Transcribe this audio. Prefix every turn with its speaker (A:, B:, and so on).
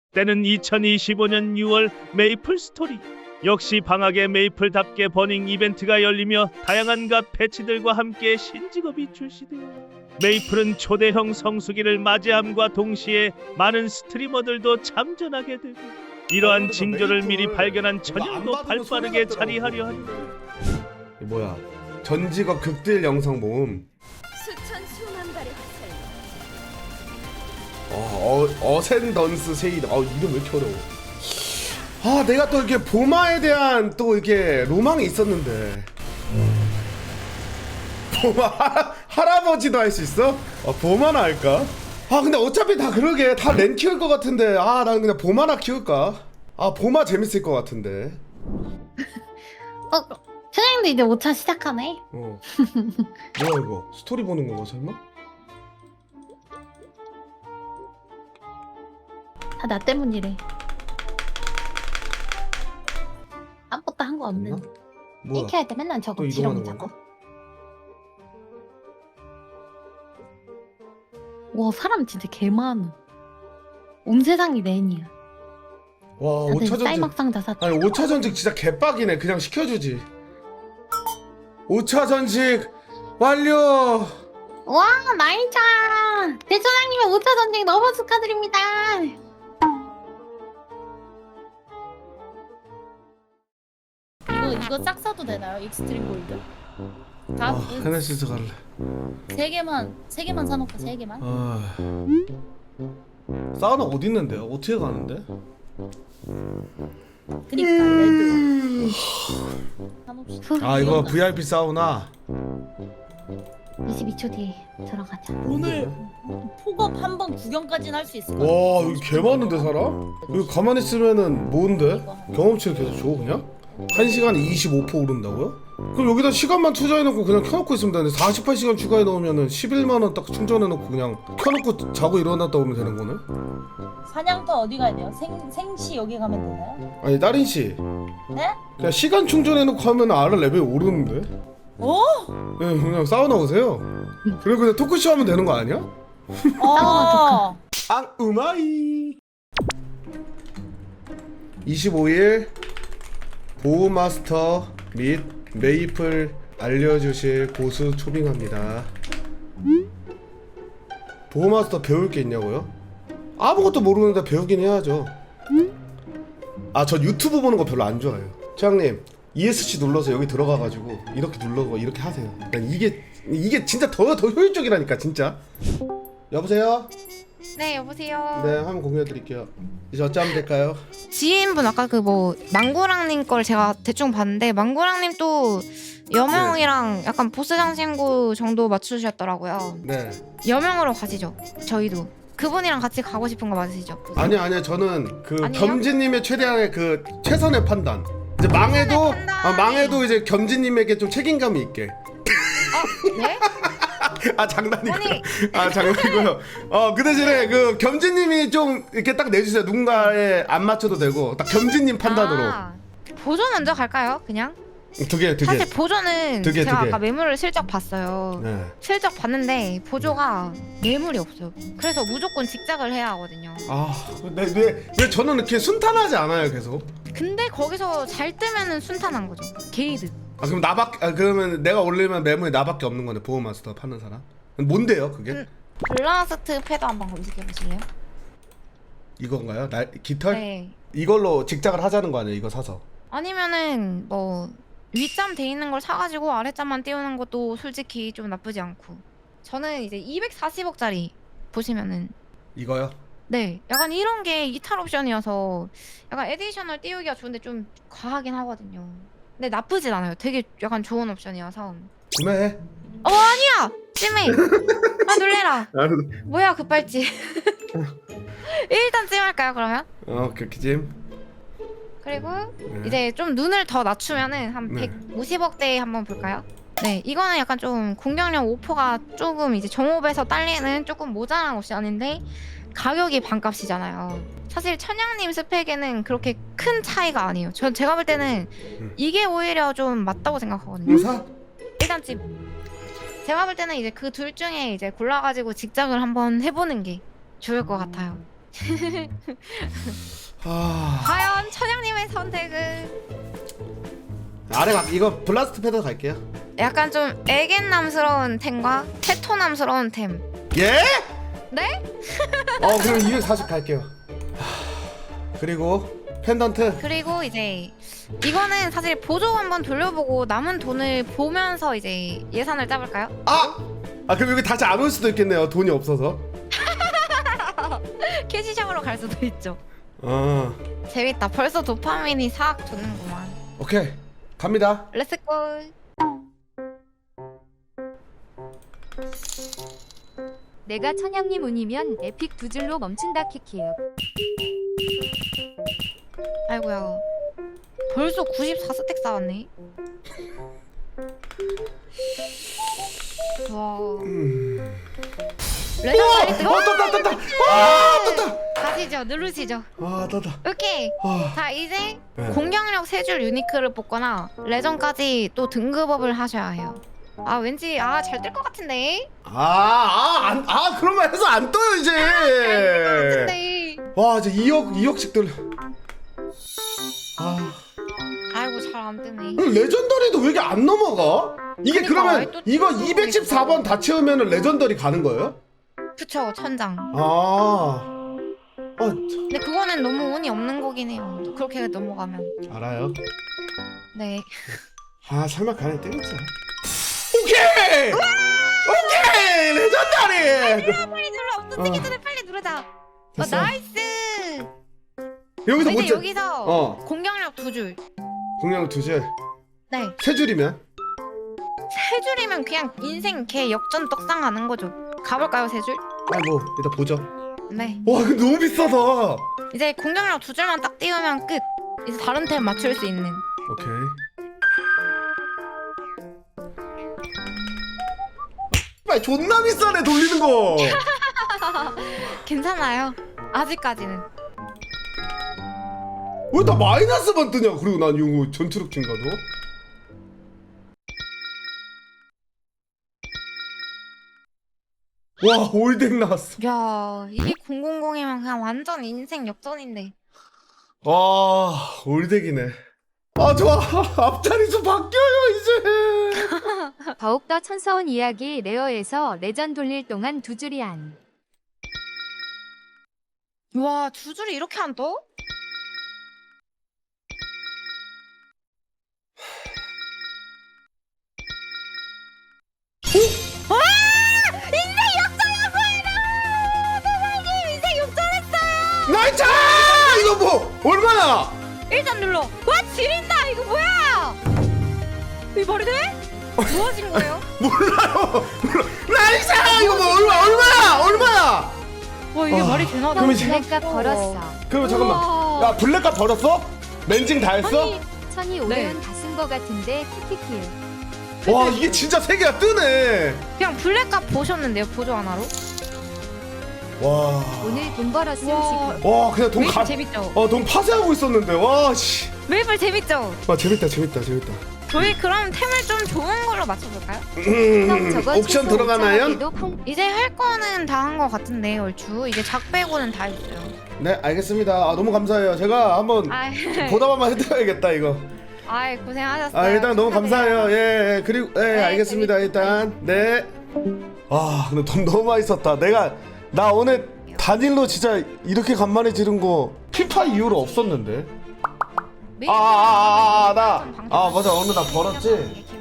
A: 때는 2025년 6월 메이플 스토리. 역시 방학에 메이플답게 버닝 이벤트가 열리며 다양한 갓 패치들과 함께 신직업이 출시되어 메이플은 초대형 성수기를 맞이함과 동시에 많은 스트리머들도 참전하게 되고 이러한 징조를 미리 발견한 천연도 발빠르게 자리하려 하니
B: 뭐야 전직업 극딜 영상 모음.
C: 수천 수만 발의 화살.
B: 어센던스 세이드. 이름 왜 이렇게 어려워. 내가 또 이렇게 보마에 대한 또 이렇게 로망이 있었는데. 보마 할아버지도 할 수 있어? 보마나 할까? 근데 어차피 다 그러게 다 렌 키울 것 같은데. 난 그냥 보마나 키울까? 보마 재밌을 것 같은데.
D: 사장님도 이제 5차 시작하네.
B: 뭐야 이거 스토리 보는 건가 설마?
D: 다 나 때문이래. 아무것도 한 거 없는.
B: 뭐야
D: 이렇게 할 때 맨날
B: 또
D: 저거
B: 이동하는
D: 지렁이
B: 건가?
D: 잡아. 와 사람 진짜 개 많아. 온 세상이 렌이야.
B: 와
D: 다들
B: 5차 전직.
D: 쌀막상 다 샀다.
B: 아니 5차 전직 진짜 개빡이네. 그냥 시켜주지. 5차 전직 완료.
D: 와 나이차. 대소장님의 5차 전쟁 너무 축하드립니다.
E: 이거 싹 사도 되나요? 익스트림 골드? 다
B: 헤네시스 갈래.
E: 세 개만 사놓고 세 개만.
B: 사우나 어디 있는데요? 어떻게 가는데?
E: 그니까 레드. 사놓읍시다.
B: 이거 VIP 사우나.
D: 22초 뒤에 들어가자.
E: 오늘 폭업 한 번 구경까지는 할 수 있을 것
B: 와
E: 같아.
B: 여기 개 많은데 사람? 여기 가만히 있으면은 뭔데? 경험치를 계속 줘 그냥? 1시간에 25% 오른다고요? 그럼 여기다 시간만 투자해놓고 그냥 켜놓고 있으면 되는데 48시간 추가해 넣으면은 11만원 딱 충전해놓고 그냥 켜놓고 자고 일어났다 오면 되는 거네?
E: 사냥터 어디 가야 돼요? 생시 여기 가면 되나요?
B: 아니 따린씨
E: 네?
B: 그냥 시간 충전해놓고 하면 알아 레벨 오르는데?
E: 오?
B: 네, 그냥 사우나 오세요. 그리고 그냥 토크쇼 하면 되는 거 아니야?
E: 어.
B: 우마이 25일 보호마스터 및 메이플 알려주실 고수 초빙합니다. 보호마스터 배울 게 있냐고요? 아무것도 모르는데 배우긴 해야죠. 저 유튜브 보는 거 별로 안 좋아해요. 최양님 ESC 눌러서 여기 들어가가지고 이렇게 눌러고 이렇게 하세요. 난 이게 진짜 더 효율적이라니까 진짜. 여보세요?
F: 네 여보세요.
B: 네, 한번 공유해드릴게요. 이제 어찌하면 될까요?
F: 지인분 아까 그 뭐 망고랑님 걸 제가 대충 봤는데 망고랑님 또 여명이랑 약간 보스 장신구 정도 맞추셨더라고요.
B: 네.
F: 여명으로 가시죠. 저희도 그분이랑 같이 가고 싶은 거 맞으시죠?
B: 아니요 저는 그
F: 아니에요?
B: 겸지님의 최대한의 그 최선의 판단. 이제 망해도
F: 판단이.
B: 망해도 이제 겸지님에게 좀 책임감이 있게.
F: 네?
B: 장난이고.
F: 아니.
B: 장난이고요. 그 대신에 그 겸지님이 좀 이렇게 딱 내주세요. 누군가에 안 맞춰도 되고 딱 겸지님 판단으로.
F: 보조 먼저 갈까요? 그냥?
B: 두 개.
F: 사실 보조는
B: 두 개,
F: 제가
B: 두 개.
F: 아까 매물을 슬쩍 봤어요.
B: 네.
F: 슬쩍 봤는데 보조가 매물이 없어요. 그래서 무조건 직작을 해야 하거든요.
B: 왜 저는 이렇게 순탄하지 않아요 계속?
F: 근데 거기서 잘 뜨면은 순탄한 거죠. 게이드.
B: 그럼 그러면 내가 올리면 매물이 나밖에 없는 거네. 보호마스터 파는 사람? 뭔데요 그게?
F: 블라스트 패드 한번 검색해 보실래요?
B: 이건가요? 깃털?
F: 네.
B: 이걸로 직작을 하자는 거 아니에요? 이거 사서.
F: 아니면은 뭐 윗잠 돼 있는 걸 사가지고 아랫잠만 띄우는 것도 솔직히 좀 나쁘지 않고. 저는 이제 240억짜리 보시면은
B: 이거요?
F: 네 약간 이런 게 이탈 옵션이어서 약간 에디셔널 띄우기가 좋은데 좀 과하긴 하거든요. 근데 나쁘진 않아요. 되게 약간 좋은 옵션이어서.
B: 구매해.
F: 아니야! 찜해! 놀래라. 뭐야 급발진. 일단 찜할까요 그러면?
B: 그렇게 찜.
F: 그리고
B: 네.
F: 이제 좀 눈을 더 낮추면은 한
B: 네.
F: 150억대 한번 볼까요? 네, 이거는 약간 좀 공격력 5%가 조금 이제 정옵에서 딸리는 조금 모자란 옵션인데 가격이 반값이잖아요. 사실 천양님 스펙에는 그렇게 큰 차이가 아니에요. 제가 볼 때는 이게 오히려 좀 맞다고 생각하거든요.
B: 사?
F: 일단 제가 볼 때는 이제 그 둘 중에 이제 골라가지고 직장을 한번 해보는 게 좋을 것 같아요.
B: 아,
F: 과연 천양님의 선택은
B: 아래 가 이거 블라스트 패드 갈게요.
F: 약간 좀 애견남스러운 템과 테토남스러운 템.
B: 예?
F: 네?
B: 그럼 240 갈게요. 그리고 펜던트.
F: 그리고 이제 이거는 사실 보조 한번 돌려보고 남은 돈을 보면서 이제 예산을 짜볼까요?
B: 그럼 여기 다시 안 올 수도 있겠네요. 돈이 없어서.
F: 캐시샵으로 갈 수도 있죠.
B: 아,
F: 재밌다. 벌써 도파민이 싹 도는구만.
B: 오케이 갑니다.
F: 렛츠고.
C: 내가 천양님 운이면 에픽 두 줄로 멈춘다 키키요.
F: 아이고야. 벌써 94스택 쌓았네. 와. 레전드
B: 떴다. 떴다.
F: 가시죠. 누르시죠.
B: 떴다.
F: 오케이. 자 이제
B: 네.
F: 공격력 3줄 유니크를 뽑거나 레전까지 또 등급업을 하셔야 해요. 왠지 잘 뜰 것 같은데?
B: 그러면 해서 안 떠요 이제.
F: 같은데.
B: 와 이제 2억씩 들.
F: 아이고 잘 안 뜨네.
B: 레전더리도 왜 이게 안 넘어가? 이게
F: 그러니까,
B: 그러면
F: 아이, 또
B: 이거
F: 또
B: 214번 다 채우면 레전더리 가는 거예요?
F: 그쵸 천장. 근데 그거는 너무 운이 없는 거긴 해요. 그렇게 넘어가면.
B: 알아요.
F: 네.
B: 설마 가네 뜨겠지. 오케이 레전더리.
F: 빨리 눌러. 없어지기 전에 빨리 누르자.
B: 됐어.
F: 나이스.
B: 여기서
F: 이제
B: 못 채.
F: 여기서 공격력 2줄.
B: 공략 2줄.
F: 네.
B: 3줄이면?
F: 3줄이면 그냥 인생 개 역전 떡상하는 거죠. 가볼까요 3줄?
B: 뭐 일단 보죠.
F: 네.
B: 와 이거 너무 비싸다.
F: 이제 공격력 2줄만 딱 띄우면 끝. 이제 다른 템 맞출 수 있는.
B: 오케이. 존나 비싸네 돌리는 거.
F: 괜찮아요. 아직까지는.
B: 왜 다 마이너스만 뜨냐? 그리고 난 이거 전투력 증가도. 와 올덱 나왔어.
F: 야 이게 000이면 그냥 완전 인생 역전인데.
B: 와 올덱이네. 좋아. 앞자리 좀 바뀌어요 이제.
C: 더욱더 천서운 이야기 레어에서 레전 돌릴 동안 두 줄이 안.
F: 와 2줄이 이렇게 안 떠?
B: 나이차! 이거 뭐 얼마야?
F: 일단 눌러. 와 지린다. 이거 뭐야? 이거 말이 돼? 뭐 하신 거예요?
B: 몰라요. 나이차! 이거 뭐 얼마야?
F: 와 이게 말이 되나?
B: 그럼 이제-
C: 블랙값 벌었어.
B: 그러면 잠깐만.
F: 우와.
B: 야 블랙값 벌었어? 멘징 다 했어?
C: 천이 500원 다 쓴 거 같은데 키키키.
B: 와 이게 진짜 세 개가 뜨네.
F: 그냥 블랙값 보셨는데요 보조 하나로?
B: 와.
C: 오늘 돈 벌었음
F: 와.
C: 지금.
B: 와 그냥 돈
F: 메이플
B: 가.
F: 재밌죠?
B: 돈 파쇄하고 있었는데 와 씨.
F: 메이플 재밌죠?
B: 와 재밌다.
F: 저희 그럼 템을 좀 좋은 걸로 맞춰볼까요?
C: 형 저거
B: 옵션
C: 최소
B: 들어가나요?
C: 5,000원에도 펑.
F: 이제 할 거는 다 한 거 같은데 얼추 이제 작 빼고는 다 했어요.
B: 네 알겠습니다. 너무 감사해요. 제가 한번
F: 아,
B: 보답한번 해드려야겠다 이거.
F: 아이 고생하셨어요.
B: 일단 너무 감사해요. 예 그리고
F: 네,
B: 알겠습니다. 일단 네. 근데 돈 너무 많이 썼다. 나 오늘 단일로 진짜 이렇게 간만에 지른 거 피파 이후로 없었는데. 맞아 오늘 나 벌었지.